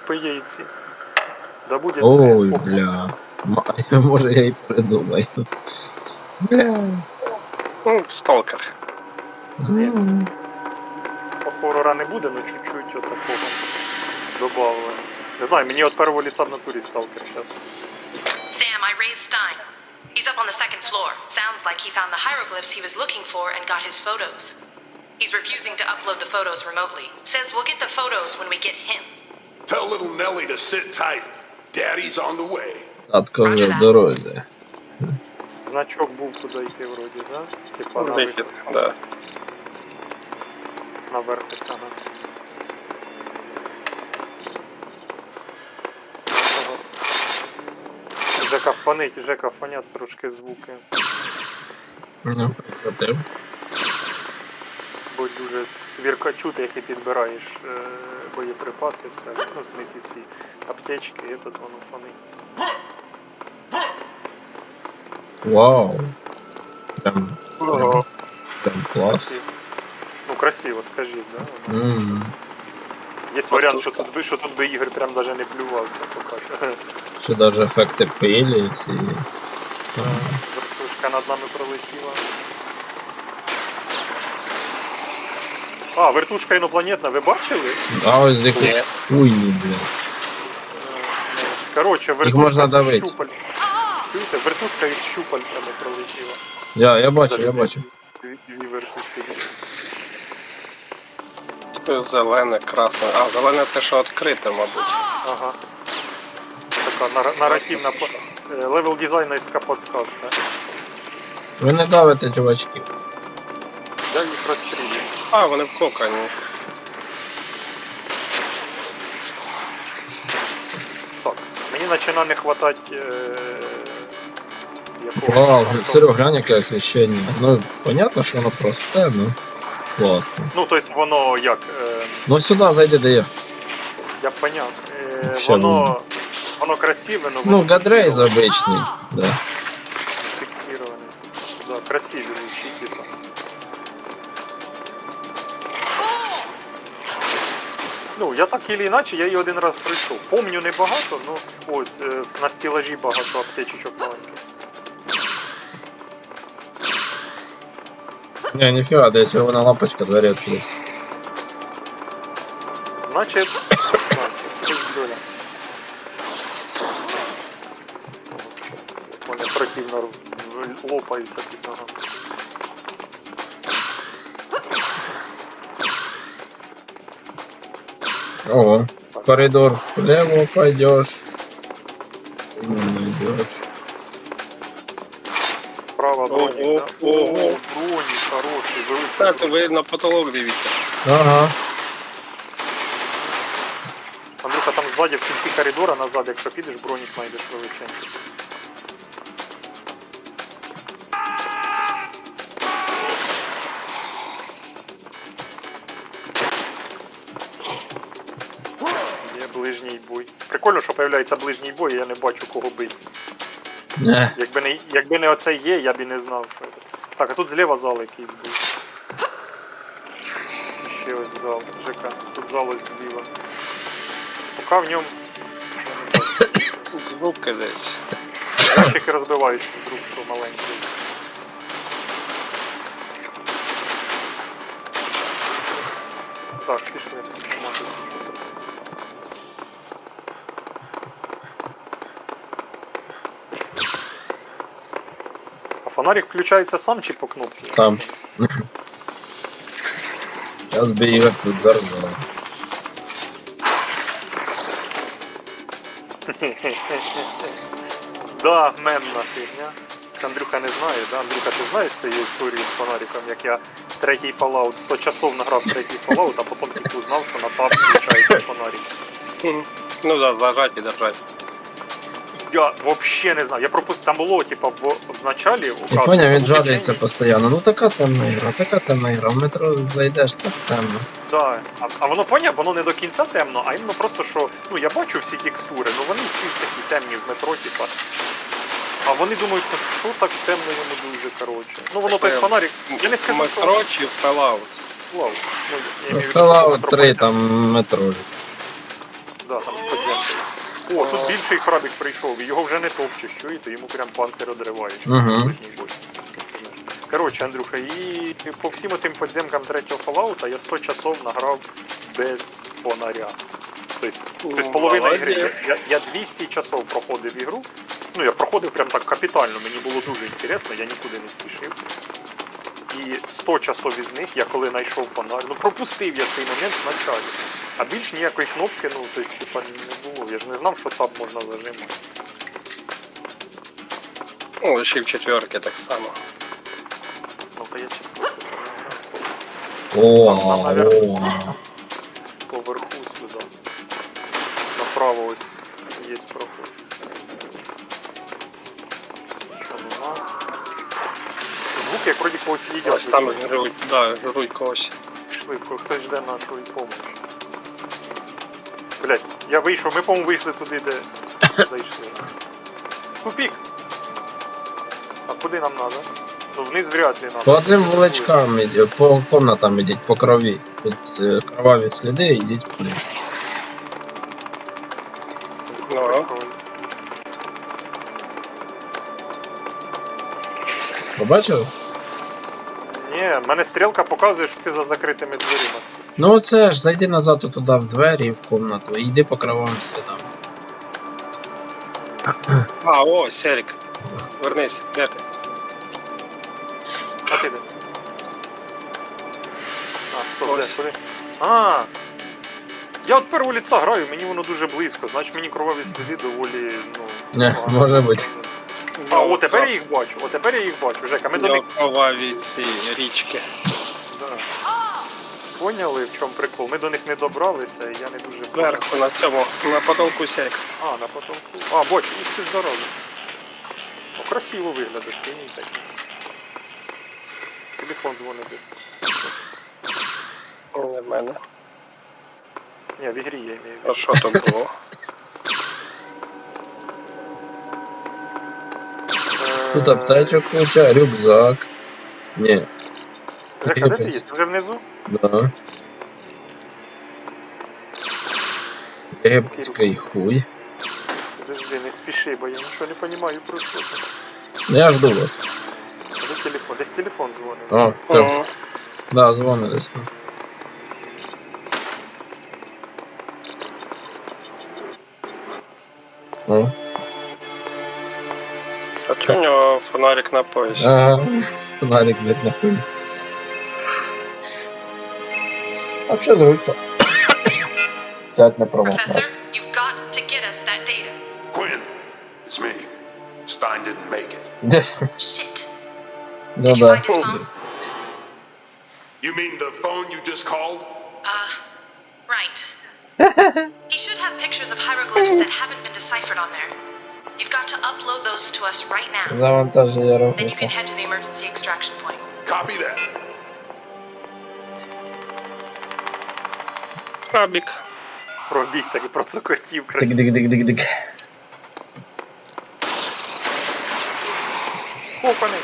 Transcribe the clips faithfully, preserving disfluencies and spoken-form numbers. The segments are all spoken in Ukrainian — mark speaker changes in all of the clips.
Speaker 1: типи є і ці. Да буде
Speaker 2: Ой,
Speaker 1: світ.
Speaker 2: бля. М- Може я і придумаю. Бля.
Speaker 3: Ну, сталкер.
Speaker 1: Ні, тут
Speaker 2: М.
Speaker 1: по хорора не буде, але чуть-чуть отакого добавлено. Не знаю, мені от первого лица в натурі сталкер зараз.
Speaker 4: Sam, I raised Stein. He's up on the second floor. Sounds like he found the hieroglyphs he was looking for and got his photos. He's refusing to upload the photos remotely. Says we'll get the photos when we get him.
Speaker 5: Tell little Nelly to sit tight. Daddy's on the way.
Speaker 2: Татко вже в дорозі.
Speaker 1: Значок був куди йти вроді, да? Типа на
Speaker 3: Вихід,
Speaker 1: вихід.
Speaker 3: да.
Speaker 1: Наверх ось, ага. Жека фонить, Жека фонять трошки звуки.
Speaker 2: Ну, прикатив.
Speaker 1: Бо дуже свірка чути, як ти підбираєш е, боєприпаси, все. Ну, в смислі ці аптечки, і тут воно фонить.
Speaker 2: Вау. Прям,
Speaker 3: Ого.
Speaker 2: прям клас.
Speaker 1: Красиво. Ну, красиво, скажіть, да? Воно.
Speaker 2: М.
Speaker 1: Є варіант, що тут би, що тут би Ігор прям даже не плювався, поки що.
Speaker 2: Ще даже ефекти пилі ці.
Speaker 1: Вертушка над нами пролетіла. А, вертушка інопланетна, ви бачили?
Speaker 2: А ось з якоїсь хуйні, бля.
Speaker 1: Короче,
Speaker 2: Їх можна
Speaker 1: вертушка з
Speaker 2: давити.
Speaker 1: щупаль... Чуєте? Вертушка із щупальцями пролетіла.
Speaker 2: Я, я бачу,
Speaker 1: Даже
Speaker 2: я
Speaker 1: дві-
Speaker 2: бачу.
Speaker 1: Дві, дві вертушки.
Speaker 3: Зелене, красне. А, зелене це що відкрите, мабуть.
Speaker 1: Ага. Така нар- наративна по- е, левел дизайнерська подсказка.
Speaker 2: Ви не давите, чувачки.
Speaker 1: Я їх розстрілюю.
Speaker 3: А, вони в кокані.
Speaker 1: Так, мені починає не хватати е... якогось...
Speaker 2: Вау,
Speaker 1: авто-
Speaker 2: Серег, глянь, яке освіщення. Ну, понятно, що воно просте, ну класно.
Speaker 1: Ну, тобто воно як... Е...
Speaker 2: Ну сюди зайди, де я.
Speaker 1: Я поняв. Е...
Speaker 2: Ще
Speaker 1: Воно... Воно красиве, но
Speaker 2: Ну,
Speaker 1: воно
Speaker 2: гадрейз
Speaker 1: фіксироване.
Speaker 2: обичний, да.
Speaker 1: Фіксироване. Да, красиві лучі, типа. Ну, я так или іначе, я її один раз пройшов. Помню небагато, ну ось е, на стілажі багато аптечечок маленьких.
Speaker 2: Не, ніфіга, де червона лампочка, двері відкрити.
Speaker 1: Значить, значить, це ж доля. Вони противно в- лопаються під ногами.
Speaker 2: Ого, в коридор влево пойдешь. Не найдешь.
Speaker 1: Права броні,
Speaker 3: Ого,
Speaker 1: да?
Speaker 3: ого.
Speaker 1: Броні, хороший, великий.
Speaker 3: Так, ви на потолок дивіться.
Speaker 2: Ага.
Speaker 1: Андрюха, там ззаді в кінці коридора назад, якщо підеш, бронік знайдеш величенький. Є ближній бой. Прикольно, що появляється ближній бой, і я не бачу кого бити.
Speaker 2: Не.
Speaker 1: Якби не, якби не оце є, я б і не знав, що це. Так, а тут зліва зал якийсь був. Ще ось зал. ЖК. Тут зал ось зліва. Поки в ньому
Speaker 3: Звуки десь.
Speaker 1: ящики розбиваються вдруг, що маленький. Так, пішли. Нема тут нічого. А фонарик включається сам чи по кнопці?
Speaker 2: Там. Сейчас бы Игорь тут взорвал.
Speaker 1: Да, мемна фігня. Андрюха не знає, да? Андрюха, ти знаєш цієї історії з фонариком, як я третій Fallout, сто часов награв третій Fallout, а потім тільки узнав, що на таб включається фонарик.
Speaker 3: Мгм. Ну да, зажать і держать.
Speaker 1: Я взагалі не знаю. Я пропустив, там було, типа, в, в началі
Speaker 2: Я
Speaker 1: указано,
Speaker 2: понял, він
Speaker 1: що
Speaker 2: жалується
Speaker 1: в
Speaker 2: постійно. Ну така темна ігра, така темна ігра. В метро зайдеш, так темно.
Speaker 1: Да. А, а воно поняв, воно не до кінця темно, а іменно просто, що, ну я бачу всі текстури, ну вони всі ж такі темні в метро, типа. А вони думають, ну що так темно йому дуже, коротше. Ну воно той фонарик, я не скажу, що...
Speaker 3: Метро чи Fallout?
Speaker 1: Вау. Ну, я имею в виду, що
Speaker 2: Fallout
Speaker 1: метро
Speaker 2: три,
Speaker 1: понятно.
Speaker 2: там метро.
Speaker 1: Да, там в подземі. О, тут більший крабик прийшов, і його вже не топчеш, чуєте, йому прям панцир одриваєш.
Speaker 2: Мгм.
Speaker 1: Ближній бой. Коротше, Андрюха, і по всім тим подземкам третього Fallout я сто часов награв без фонаря. Тобто, тобто половина
Speaker 3: Молодець.
Speaker 1: ігри. Я, я двісті часов проходив ігру. Ну, я проходив прям так капітально, мені було дуже інтересно, я нікуди не спішив. І сто часов із них я коли знайшов фонарь, ну пропустив я цей момент в началі. А більш ніякої кнопки, ну, тобто, типа, не було. Я ж не знав, що таб можна зажимати.
Speaker 3: Ну, лише в четверки так само.
Speaker 1: Ну, то я четвертий.
Speaker 2: О,
Speaker 1: Там, наверно.
Speaker 2: о.
Speaker 1: Поверху сюди. Направо ось є проход. Що нема? Звук як вроді когось їдять.
Speaker 3: Ось там жрують, да, жрують когось.
Speaker 1: Швидко, хтось жде нашої допомоги. Блять, я вийшов, ми, по-моєму, вийшли туди, де зайшли. Тупік! А куди нам треба? Ну вниз вряд ли нам.
Speaker 2: По цим вуличкам, ідіть, по комнатам ідіть, по крові. Тут е, кроваві сліди, ідіть туди.
Speaker 3: Ну,
Speaker 2: Побачили?
Speaker 1: Ні, в мене стрілка показує, що ти за закритими дверима.
Speaker 2: Ну оце ж, зайди назад туди в двері і в комнату, і йди по кровавим слідам.
Speaker 3: а, о, Серік. Вернись, де ти?
Speaker 1: А ти де? А, стоп, де,
Speaker 3: Ось.
Speaker 1: куди? А! Я от первого ліца граю, мені воно дуже близько, значить мені кроваві сліди доволі, ну...
Speaker 2: Не,
Speaker 1: погано.
Speaker 2: може бути.
Speaker 1: А, о, тепер я їх бачу, о, тепер я їх бачу, Жека, ми до них...
Speaker 3: Кроваві ці річки.
Speaker 1: Да. Поняли, в чому прикол? Ми до них не добралися, і я не дуже...
Speaker 3: Зверху на цьому, на потолку Серік.
Speaker 1: А, на потолку. А, бачу, їх ти ж дорога. О, красиво виглядає, синій такий. Телефон дзвонить десь.
Speaker 3: Не в мене.
Speaker 1: Ні, в ігрі я маю.
Speaker 3: А що то було?
Speaker 2: Тут аптечок куча, рюкзак. Ні,
Speaker 1: Жека, де ти є? Ти вже внизу?
Speaker 2: да. Єгипетський хуй.
Speaker 1: Подожди, не спіши, бо я нічого не розумію про що це.
Speaker 2: Ну, я жду вас.
Speaker 1: А де телефон? Десь телефон дзвонить.
Speaker 2: О, так.
Speaker 3: О,
Speaker 2: Да, дзвони десь. ну. О,
Speaker 3: а чого у нього фонарик на поясі?
Speaker 2: ага, фонарик, блядь, на хуй. Вообще зручно. Стять на
Speaker 4: Professor,
Speaker 2: промах.
Speaker 4: you've got to get us that data.
Speaker 5: Quinn, it's me. Stein didn't make it.
Speaker 4: Shit.
Speaker 2: Ну
Speaker 4: Did you
Speaker 2: да.
Speaker 4: find his phone?
Speaker 5: You mean the phone you just called?
Speaker 4: Uh, right. He should have pictures of hieroglyphs that haven't been deciphered on there. You've got to upload those to us right now.
Speaker 2: Завантаження
Speaker 4: Then you can
Speaker 2: робота.
Speaker 4: head to the emergency extraction point.
Speaker 5: Copy that.
Speaker 3: Крабік.
Speaker 1: Пробіг так і процокотів красиво.
Speaker 2: Дик-дик-дик-дик-дик.
Speaker 1: Копаний.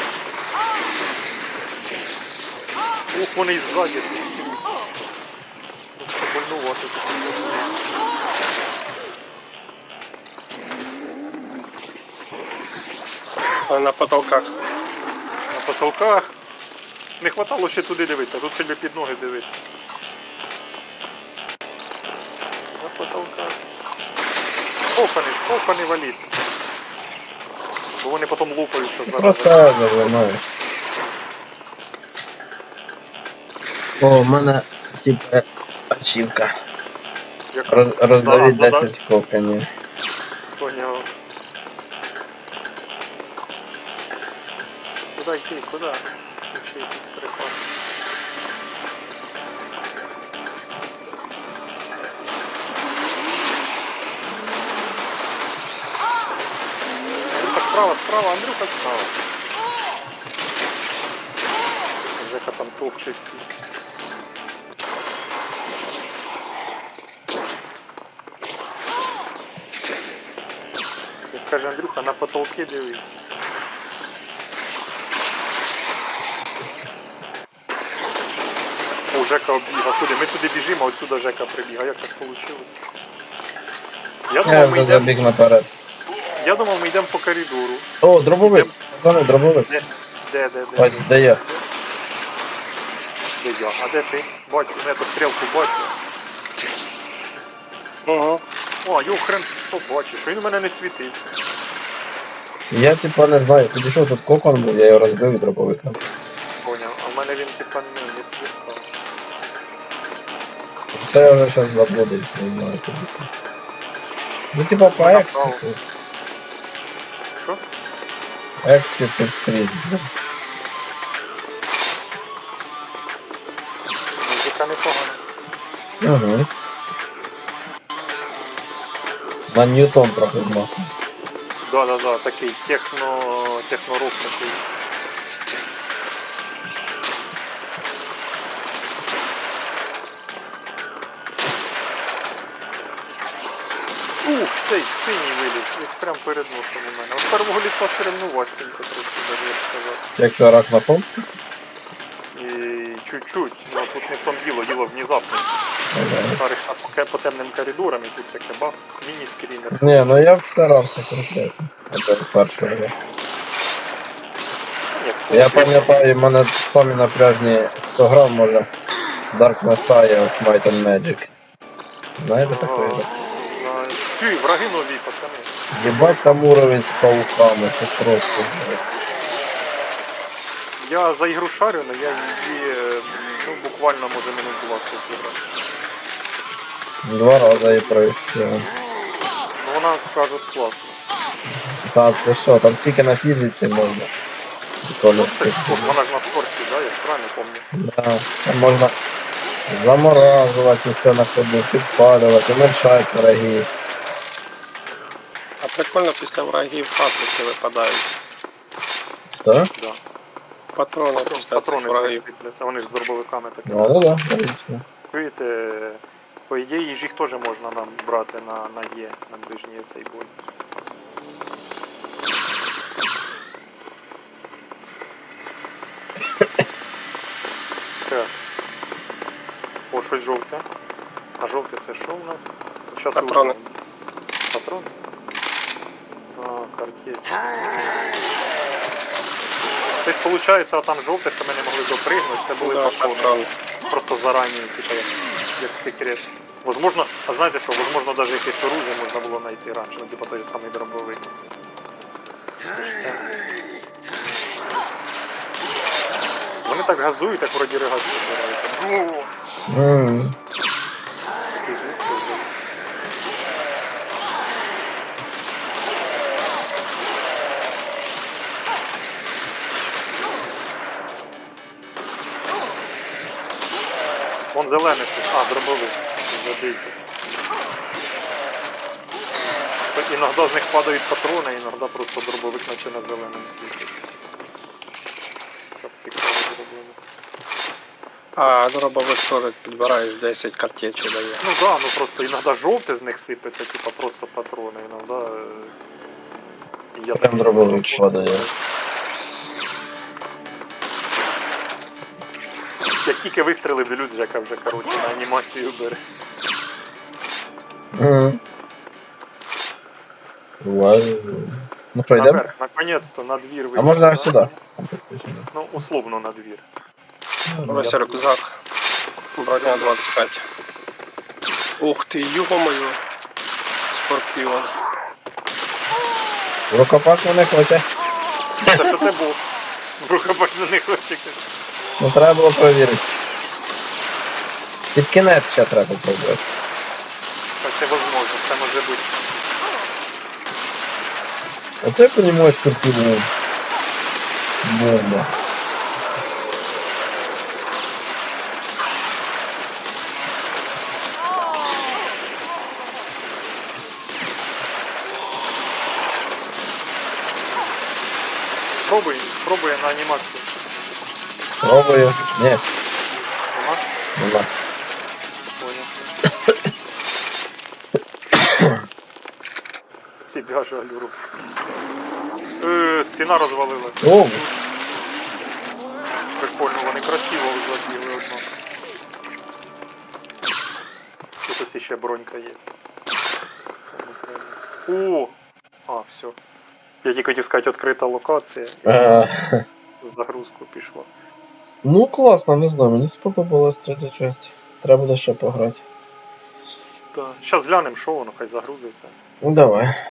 Speaker 1: Ух, вони і ззаді тут скрізь. Просто больнувати.
Speaker 3: А на потолках.
Speaker 1: На потолках. Не хватало ще туди дивитися, тут тобі під ноги дивитися. На потолках. Копаний, копаний валіт. Бо вони потім лупаються зараз.
Speaker 2: Просто завернув. О, у мене типа ачівка.
Speaker 1: Як
Speaker 2: Роз, роздавіть
Speaker 1: зараз
Speaker 2: десять коканів.
Speaker 1: Поняв. Куда йти, куди? Тут ще якийсь перехват. Андрюха справа, справа, Андрюха справа. Жека там топче всі. Як каже Андрюха, на потолки дивиться. О, Жека оббіга. Куди? Ми туди біжимо, а отсюда Жека прибіга. Як так вийшло? Я
Speaker 2: Я
Speaker 1: думав, ми
Speaker 2: вже забіг
Speaker 1: йдемо.
Speaker 2: наперед.
Speaker 1: Я думав, ми йдемо по коридору.
Speaker 2: О, дробовик! Пацани, дробовик.
Speaker 1: Де, де, де, де?
Speaker 2: Ось, де я.
Speaker 1: Де я? А де ти? Бачу, ну я то стрілку бачу.
Speaker 3: Угу.
Speaker 1: О, його хрен побачиш, він у мене не світився.
Speaker 2: Я типа не знаю, підійшов тут кокон був, я його розбив і дробовик нам.
Speaker 1: Поняв, а в мене він типа не, не світав.
Speaker 2: Це я вже зараз заблудився, не знаю куди. Ну типа по
Speaker 1: Направо.
Speaker 2: ексіку.
Speaker 1: Що?
Speaker 2: Ексіт тут скрізь.
Speaker 1: Музика непогана.
Speaker 2: Угу. На Ньютон трохи змаху.
Speaker 1: Да-да-да, такий техно... технорок такий. Ух, цей синій виліз, як прям перед носом у мене. От первого ліца стрельнувастенько трошки, даже я б сказав.
Speaker 2: Якщо рак на пом,
Speaker 1: І чуть-чуть, ну тут не в тому діло, діло внезапно. Тарих по, по темним коридорам і тут таке бах, міні-скрінер.
Speaker 2: ні, ну я вцарався конкретно. Це перший раз.
Speaker 1: Ні,
Speaker 2: Я пам'ятаю, в мене самі напряжні, хто грав, може, Dark Messiah of Might and Magic. Знаєте
Speaker 1: Ага,
Speaker 2: такої?
Speaker 1: знаю. Фі, враги нові, пацани.
Speaker 2: Єбать там уровень з пауками, це просто жесть.
Speaker 1: Я за ігру шарю, але я її е, ну, буквально може минут двадцять грав.
Speaker 2: Два рази і пройшов.
Speaker 1: Ну вона, кажуть, класна.
Speaker 2: Так, ти що, там скільки на фізиці можна?
Speaker 1: Ну, це ж тут, вона ж на сорсі, да, я ж правильно пам'ятаю.
Speaker 2: Да, там можна заморажувати все на ходу, підпалювати, уменьшати врагів.
Speaker 3: А прикольно після врагів патрики випадають.
Speaker 2: Хто?
Speaker 1: Да.
Speaker 3: Патрони після
Speaker 1: Патрони
Speaker 3: цих
Speaker 1: з них
Speaker 3: врагів.
Speaker 1: сипляться, вони ж з дробовиками таке.
Speaker 2: Ну, ну да, логічно.
Speaker 1: Чуєте, по ідеї ж їх теж можна нам брати на, на Є, на ближній цей бой. Так. О, щось жовте. А жовте це що у нас? Щас
Speaker 3: Патрони.
Speaker 1: узнаємо. Патрони? А, картечь. Тобто, виходить, а там жовте, що ми не могли допригнути, це були
Speaker 3: Да,
Speaker 1: патрони.
Speaker 3: патрони.
Speaker 1: Просто зарані, типу, як, як секрет. Возможно, а знаєте що, возможно, навіть якесь оружие можна було знайти раніше, ну, типу той самий дробовик. Це ж все. Вони так газують, так вроді ригацію збираються. Ну,
Speaker 2: М,
Speaker 1: який звук це зробив. Вон зелений щось. А, дробовик. Забийте. Іноді з них падають патрони, іноді просто дробовик наче на зеленому світі. Як цікаво зроблено.
Speaker 3: А дробовик теж підбираєш десять картечей дає.
Speaker 1: Ну да, ну просто іноді жовте з них сипеться, типа просто патрони, іноді... е, Я
Speaker 2: Прям
Speaker 1: такий
Speaker 2: дробовик
Speaker 1: дуже-
Speaker 2: падає.
Speaker 1: Як тільки вистрілив, дивлюсь, Жека вже, коротше, на анімацію бере.
Speaker 2: М. Вау. Ну що, йдемо?
Speaker 1: Наверх, наконець-то, на двір вийшов.
Speaker 2: А можна
Speaker 1: да?
Speaker 2: сюди.
Speaker 1: Ну, условно на двір.
Speaker 3: Ось рюкзак. Броня двадцять п'ять. Ух ти, йо-моє. Скорпіон.
Speaker 2: Рукопашно не хоче.
Speaker 1: Та що це бос? В рукопашно не хоче.
Speaker 2: Ну треба було перевірити. Під кінець ще треба попробувати.
Speaker 1: Так це возможно, все може бути.
Speaker 2: Оце понімаєш скорпіон. Бомба.
Speaker 1: Пробуй, пробуй на анімацію.
Speaker 2: Пробую. Ні,
Speaker 1: Нема?
Speaker 2: нема.
Speaker 1: Понял. Себя жалю. Е, стіна розвалилась.
Speaker 2: О,
Speaker 1: Прикольно, вони красиво забігли одно. Тут ось ще бронька є. Кому треба. О! А, все. Я тільки хотів сказати, відкрита локація.
Speaker 2: Е,
Speaker 1: Загрузку пішло.
Speaker 2: Ну класно, не знаю, мені сподобалась третя часть. Треба буде ще пограти.
Speaker 1: Так. Зараз глянемо, що воно, хай загрузиться.
Speaker 2: Ну давай.